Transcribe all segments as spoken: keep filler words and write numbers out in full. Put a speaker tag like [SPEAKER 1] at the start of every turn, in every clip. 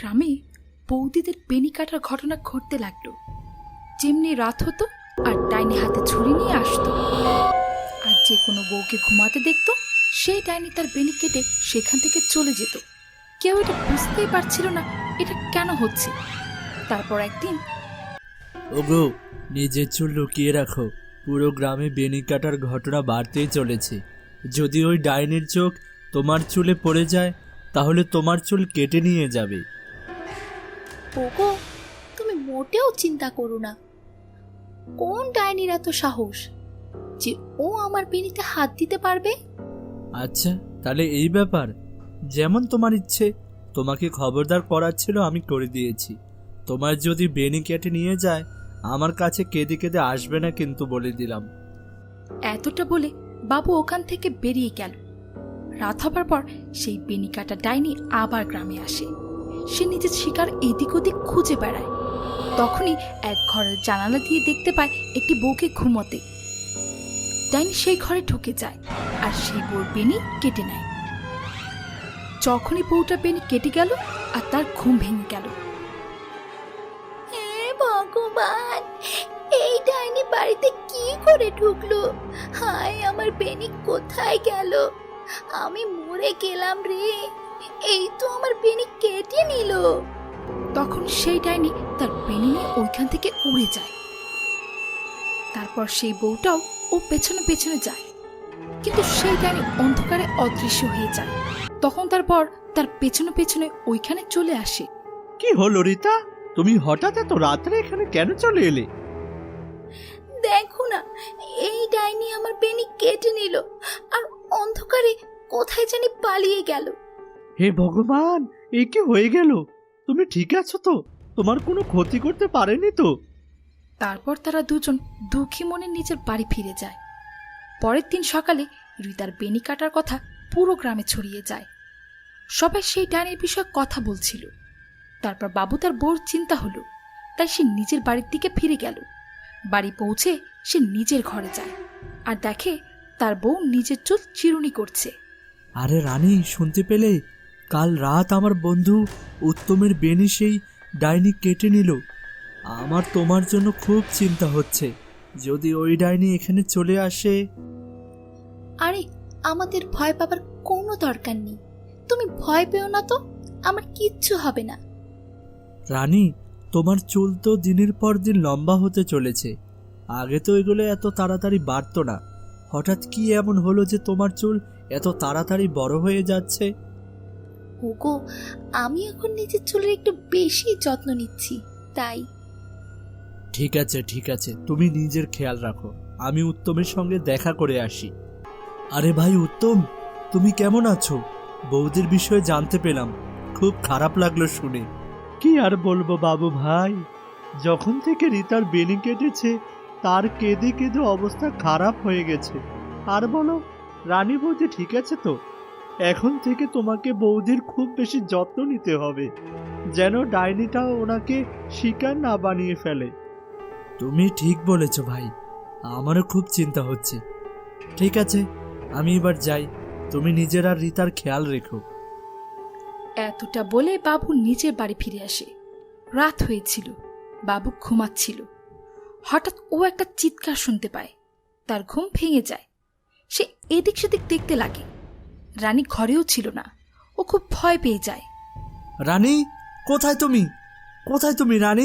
[SPEAKER 1] গ্রামে বৌদিদের বেনি কাটার ঘটনা ঘটতে লাগলো। যেমনি রাত হতো আর ডাইনি হাতে ছুরি নিয়ে আসতো, আর যে কোনো বউকে ঘুমাতে দেখতো সেই ডাইনি তার বেনি কেটে সেখান থেকে চলে যেত। কেউ এটা বুঝতেই পারছিল না এটা কেন হচ্ছে। তারপর একদিন,
[SPEAKER 2] ওগো, নিজের চুল লুকিয়ে রাখো, পুরো গ্রামে বেনি কাটার ঘটনা বাড়তেই চলেছে। যদি ওই ডাইনির চোখ তোমার চুলে পড়ে যায় তাহলে তোমার চুল কেটে নিয়ে যাবে।
[SPEAKER 3] ওগো, তুমি মোটেও চিন্তা করো না। কোন ডাইনির এত সাহস যে ও আমার বেনিতে হাত দিতে পারবে?
[SPEAKER 2] আচ্ছা, তাহলে এই ব্যাপার। যেমন তোমার ইচ্ছে, তোমাকে খবরদার করার ছিল আমি করে দিয়েছি। তোমার যদি বেনি কেটে নিয়ে যায় আমার কাছে কেঁদে কেঁদে আসবে না কিন্তু, বলে দিলাম।
[SPEAKER 1] এতটা বলে বাবু ওখান থেকে বেরিয়ে গেল। রাত হবার পর সেই বেনি কাটা ডাইনি আবার গ্রামে আসে। সে নিজের শিকার এদিক ওদিক খুঁজে বেড়ায়। তখনই এক ঘরের জানালা দিয়ে দেখতে পায় একটি বউকে ঘুমোতে। ডাইনি সেই ঘরে ঢুকে যায় আর সেই বউর বেনি কেটে নেয়। যখনই বউটা বেনি কেটে গেল আর তার ঘুম ভেঙে গেল।
[SPEAKER 3] হে ভগবান, এই ডাইনি বাড়িতে কি করে ঢুকলো? হায়, আমার বেনি কোথায় গেল? আমি মরে গেলাম রে। এই তো আমার বেনি কেটে নিল।
[SPEAKER 1] তখন সেই ডাইনি তার বেনি নিয়ে ওইখান থেকে উড়ে যায়। তারপর সেই বউটাও ও পেছনে পেছনে যায়, কিন্তু সেই ডাইনি অন্ধকারে অদৃশ্য হয়ে যায়। তখন তারপর তার পেছনে পেছনে ওইখানে চলে আসে।
[SPEAKER 2] কি হলো রীতা, তুমি হঠাৎ এত রাত্রে এখানে কেন চলে এলে?
[SPEAKER 3] দেখো না, এই ডাইনি আমার বেনি কেটে নিল আর অন্ধকারে কোথায় জানি পালিয়ে গেল।
[SPEAKER 2] হে ভগবান, এ কি হয়ে গেল? তুমি ঠিক আছো তো? তোমার কোনো ক্ষতি করতে পারেনি তো?
[SPEAKER 1] তারপর তারা দুজন দুঃখী মনে নিজের বাড়ি ফিরে যায়। পরের দিন সকালে রিতার বেনি কাটার কথা পুরো গ্রামে ছড়িয়ে যায়। সবাই সেই ডাইনির বিষয়ে কথা বলছিল। তারপর বাবু তার বউর চিন্তা হলো, তাই সে নিজের বাড়ির দিকে ফিরে গেল। বাড়ি পৌঁছে সে নিজের ঘরে যায় আর দেখে তার বউ নিজের চুল চিরুনি করছে।
[SPEAKER 2] আরে রানী, শুনতে পেলে? কাল রাত আমার বন্ধু উত্তমের বেনি সেই ডাইনি কেটে নিল। আমার তোমার জন্য খুব চিন্তা হচ্ছে। যদি ওই ডাইনি এখানে চলে আসে।
[SPEAKER 3] আরে, আমাদের ভয় পাবার কোনো দরকার নেই। তুমি ভয় পেও না তো, আমার কিচ্ছু হবে না।
[SPEAKER 2] রানী, তোমার চুল তো দিনের পর দিন লম্বা হতে চলেছে। আগে তো এগুলো এত তাড়াতাড়ি বাড়তো না। হঠাৎ কি এমন হলো যে তোমার চুল এত তাড়াতাড়ি বড় হয়ে যাচ্ছে?
[SPEAKER 3] ওগো, আমি এখন নিজের চুলের একটু বেশি যত্ন নিচ্ছি, তাই।
[SPEAKER 2] ঠিক আছে ঠিক আছে, তুমি নিজের খেয়াল রাখো। আমি উত্তমের সঙ্গে দেখা করে আসি। আরে ভাই উত্তম, তুমি কেমন আছো? বৌদির বিষয়ে জানতে পেলাম, খুব খারাপ লাগলো শুনে। কি আর বলবো বাবু ভাই, যখন থেকে রিতার বেনি কেটেছে তার কেঁদে কেঁদে অবস্থা খারাপ হয়ে গেছে। আর বলো, রানী বৌদি ঠিক আছে তো? এখন থেকে তোমাকে বৌদির খুব বেশি যত্ন নিতে হবে, যেন ডাইনিটা ওনাকে শিকার না বানিয়ে ফেলে। তুমি ঠিক বলেছ ভাই, আমারও খুব চিন্তা হচ্ছে। ঠিক আছে, আমি এবার যাই। তুমি নিজের আর রিতার খেয়াল রেখো।
[SPEAKER 1] এতটা বলে বাবু নিজের বাড়ি ফিরে আসে। রাত হয়েছিল, বাবু ঘুমাচ্ছিল। হঠাৎ ও একটা চিৎকার শুনতে পায়। তার ঘুম ভেঙে যায়। সে এদিক সেদিক দেখতে লাগে। রানী ঘরেও ছিল না। ও খুব ভয় পেয়ে যায়।
[SPEAKER 2] রানী, কোথায় তুমি? কোথায় তুমি রানী?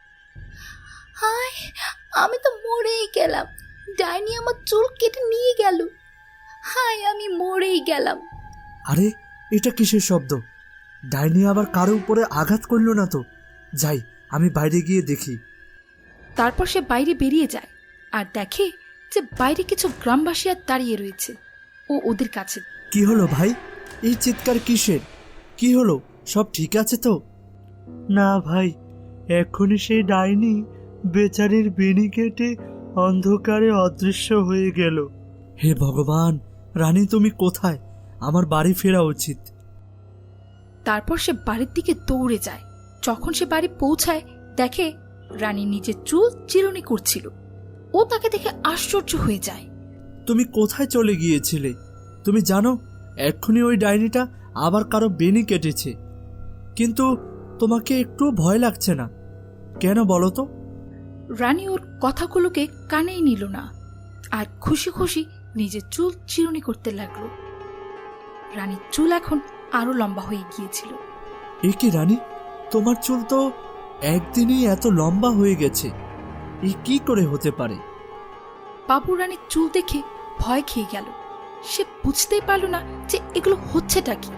[SPEAKER 3] হায়, আমি তো মরেই গেলাম। ডাইনি আমার চুল কেটে নিয়ে গেল। হায়, আমি মরেই গেলাম।
[SPEAKER 2] আরে, এটা কিসের শব্দ? ডাইনি আবার কারো উপরে আঘাত করলো না তো? যাই, আমি বাইরে গিয়ে দেখি।
[SPEAKER 1] তারপর সে বাইরে বেরিয়ে যায় আর দেখে যে বাইরে কিছু গ্রামবাসী আর দাঁড়িয়ে রয়েছে। ও ওদের কাছে।
[SPEAKER 2] কি হলো ভাই, এই চিৎকার কিসের? কি হলো, সব ঠিক আছে তো? না ভাই, এখনই সেই ডাইনি বেচারির বেনি কেটে অন্ধকারে অদৃশ্য হয়ে গেল। হে ভগবান, রানী তুমি কোথায়? আমার বাড়ি ফেরা উচিত।
[SPEAKER 1] তারপর সে বাড়ির দিকে দৌড়ে যায়। যখন সে বাড়ি পৌঁছায় দেখে রানী নিজের চুল চিরুনি করছিল। ও তাকে দেখে আশ্চর্য হয়ে যায়।
[SPEAKER 2] তুমি কোথায় চলে গিয়েছিলে? তুমি জানো এক্ষুনি ওই ডাইনিটা আবার কারো বেনি কেটেছে, কিন্তু তোমাকে একটু ভয় লাগছে না কেন বলো তো?
[SPEAKER 1] রানী ওর কথাগুলোকে কানেই নিল না আর খুশি খুশি নিজের চুল চিরুনি করতে লাগলো। রানীর চুল এখন আরো লম্বা হয়ে গিয়েছিল।
[SPEAKER 2] এ কি রানী, তোমার চুল তো একদিনই এত লম্বা হয়ে গেছে, এ কি করে হতে পারে?
[SPEAKER 1] বাবু রানীর চুল দেখে ভয় খেয়ে গেল। সে বুঝতেই পারল না যে এগুলো হচ্ছেটা কি।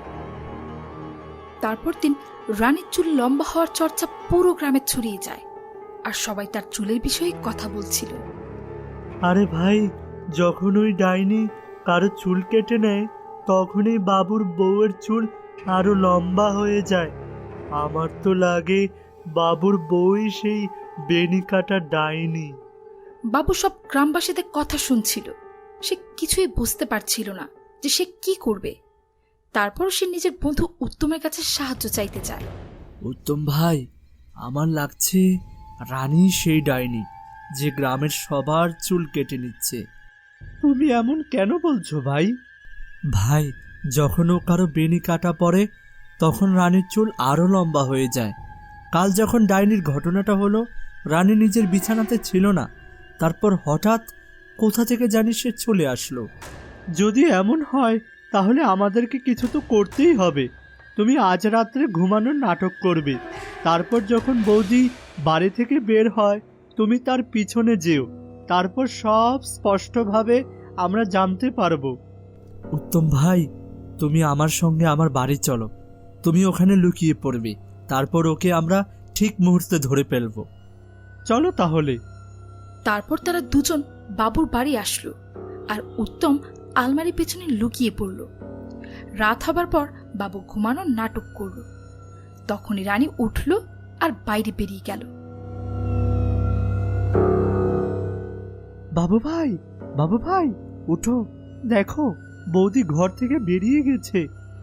[SPEAKER 1] তারপর দিন রানীর চুল লম্বা হওয়ার চর্চা পুরো গ্রামে ছড়িয়ে যায় আর সবাই তার চুলের বিষয়ে কথা বলছিল।
[SPEAKER 2] আরে ভাই, যখন ওই ডাইনি কারো চুল কেটে নেয় তখনই বাবুর বউয়ের চুল আরো লম্বা হয়ে যায়। আমার তো লাগে বাবুর বউই সেই বেনি কাটা ডাইনি।
[SPEAKER 1] বাবু সব গ্রামবাসীদের কথা শুনছিল। সে কিছুই বুঝতে পারছিল না যে সে কি করবে। তারপর সে নিজের বন্ধু উত্তমের কাছে সাহায্য চাইতে যায়।
[SPEAKER 2] উত্তম ভাই, আমার লাগছে রানী সেই ডাইনি যে গ্রামের সবার চুল কেটে নিচ্ছে। তুমি এমন কেন বলছো ভাই? ভাই, যখন ও কারো বেনি কাটা পড়ে তখন রানীর চুল আরো লম্বা হয়ে যায়। কাল যখন ডাইনির ঘটনাটা হলো, রানী নিজের বিছানাতে ছিল না, তারপর হঠাৎ কোথা থেকে জানি সে চলে আসলো। যদি এমন হয় তাহলে আমাদেরকে কিছু তো করতেই হবে। তুমি আজ রাত্রে ঘুমানোর নাটক করবে, তারপর যখন বৌদি বাড়ি থেকে বের হয় তুমি তার পিছনে যেও, তারপর সব স্পষ্টভাবে আমরা জানতে পারবো। উত্তম ভাই, তুমি আমার সঙ্গে আমার বাড়ি চলো। তুমি ওখানে লুকিয়ে পড়বে, তারপর ওকে আমরা ঠিক মুহূর্তে ধরে ফেলবো। চলো তাহলে।
[SPEAKER 1] তারপর তারা দুজন বাবুর বাড়ি আসলো আর উত্তম আলমারি পেছনে লুকিয়ে পড়ল। রাত হবার পর বাবু ঘুমানোর নাটক করল। তখনই রানী উঠল আর বাইরে বেরিয়ে গেল।
[SPEAKER 2] বাবু ভাই, বাবু ভাই, উঠো, দেখো বৌদি ঘর থেকে বেরিয়ে গেছে।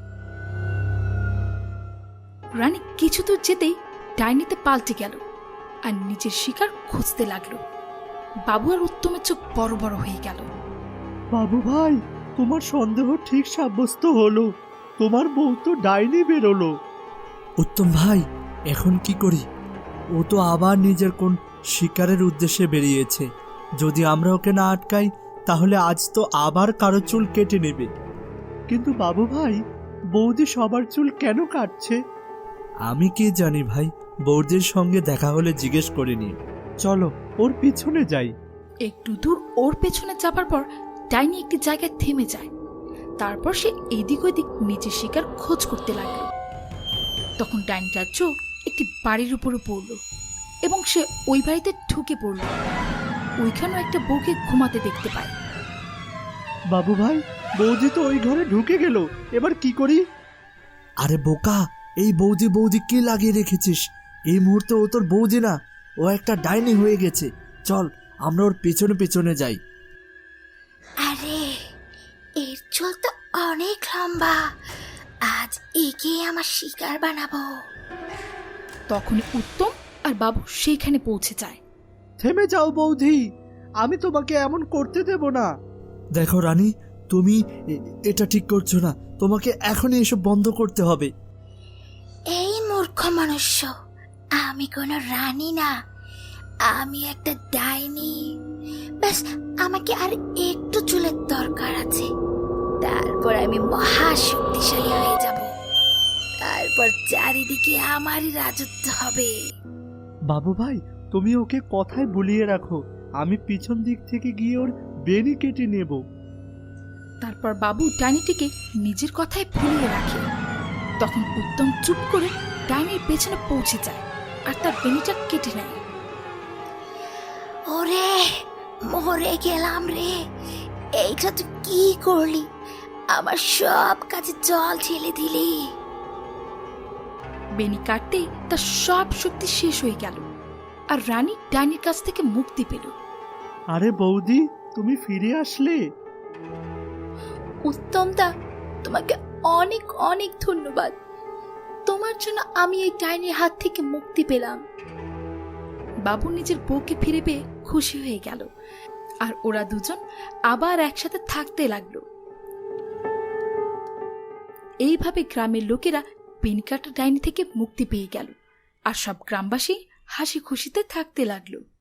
[SPEAKER 1] রানী কিছু দূর যেতেই ডাইনিতে পাল্টে গেল আর নিজের শিকার খুঁজতে লাগলো। বাবু আর উত্তমের চোখ বড় বড় হয়ে গেল।
[SPEAKER 2] বাবু ভাই, তোমার সন্দেহ ঠিক সাব্যস্ত হলো, তোমার বউ তো ডাইনি বেরোলো। উত্তম ভাই, এখন কি করি? ও তো আবার নিজের কোন শিকারের উদ্দেশ্যে বেরিয়েছে। যদি আমরা ওকে না আটকাই তাহলে আজ তো আবার কারো চুল কেটে নেবে। কিন্তু বাবু ভাই, বৌদি সবার চুল কেন কাটছে? আমি কি জানি ভাই, বৌদির সঙ্গে দেখা হলে জিজ্ঞেস করে নিই। চলো ওর পিছনে যাই।
[SPEAKER 1] একটু দূর ওর পেছনে যাবার পর ডাইনি একটি জায়গায় থেমে যায়। তারপর সে এদিক ওদিক নিজের শিকার খোঁজ করতে লাগলো। তখন ডাইনিটার চোখ একটি বাড়ির উপরে পড়ল এবং সে ওই বাড়িতে ঢুকে পড়ল। ওইখানেও একটা বউকে ঘুমাতে দেখতে পায়।
[SPEAKER 2] বাবু ভাই, বৌদি তো ওই ঘরে ঢুকে গেল, এবার কি করি? আরে বোকা, এই বৌদি বৌদি কি লাগিয়ে রেখেছিস? এই মুহূর্তে ও তোর বৌদি না, ও একটা ডাইনি হয়ে গেছে। চল আমরা ওর পেছনে পেছনে যাই।
[SPEAKER 3] আরে এর চুল তো অনেক লম্বা, আজ একে আমার শিকার বানাবো।
[SPEAKER 1] তখনই উত্তম আর বাবু সেইখানে পৌঁছে যায়।
[SPEAKER 2] থেমে যাও বৌদি, আমি তোমাকে এমন করতে দেব না। দেখো রানী, তুমি এটা ঠিক করছো না, তোমাকে এখনই এসব বন্ধ করতে হবে।
[SPEAKER 3] এই মূর্খ মনুষ্য, আমি কোনো রানী না, আমি একটা ডাইনি। ব্যাস আমাকে আর একটু চুলের দরকার আছে, তারপর আমি মহা শক্তিশালী হয়ে যাব। তারপর চারিদিকে আমারই রাজত্ব হবে।
[SPEAKER 2] বাবু ভাই, তুমি ওকে কথায় ভুলিয়ে রাখো, আমি পিছন দিক থেকে গিয়ে ওর বেনি কেটে নেব।
[SPEAKER 1] তারপর বাবু ডাইনিটিকে নিজের কথায় ভুলিয়ে রাখে। তখন উত্তম চুপ করে ডাইনির পেছনে পৌঁছে যায় আর তার বেনিটা কেটে নেয়।
[SPEAKER 3] ওরে, মরে গেলাম রে, এইটা তুই কি করলি? আমার সব কাজে জল ঢেলে দিলি।
[SPEAKER 1] বেনি কাটতেই তার সব শক্তি শেষ হয়ে গেল আর রানী ডাইনির কাছ থেকে মুক্তি পেল।
[SPEAKER 2] আরে বৌদি, তুমি ফিরে আসলে।
[SPEAKER 3] উত্তমদা, তোমাকে অনেক অনেক ধন্যবাদ। তোমার জন্য আমি এই ডাইনির হাত থেকে মুক্তি পেলাম।
[SPEAKER 1] বাবু নিজের বউকে ফিরে পেয়ে খুশি হয়ে গেল আর ওরা দুজন আবার একসাথে থাকতে লাগলো। এইভাবে গ্রামের লোকেরা বেনিকাটা ডাইনি থেকে মুক্তি পেয়ে গেল। আর সব গ্রামবাসী হাসি খুশিতে থাকতে লাগলো।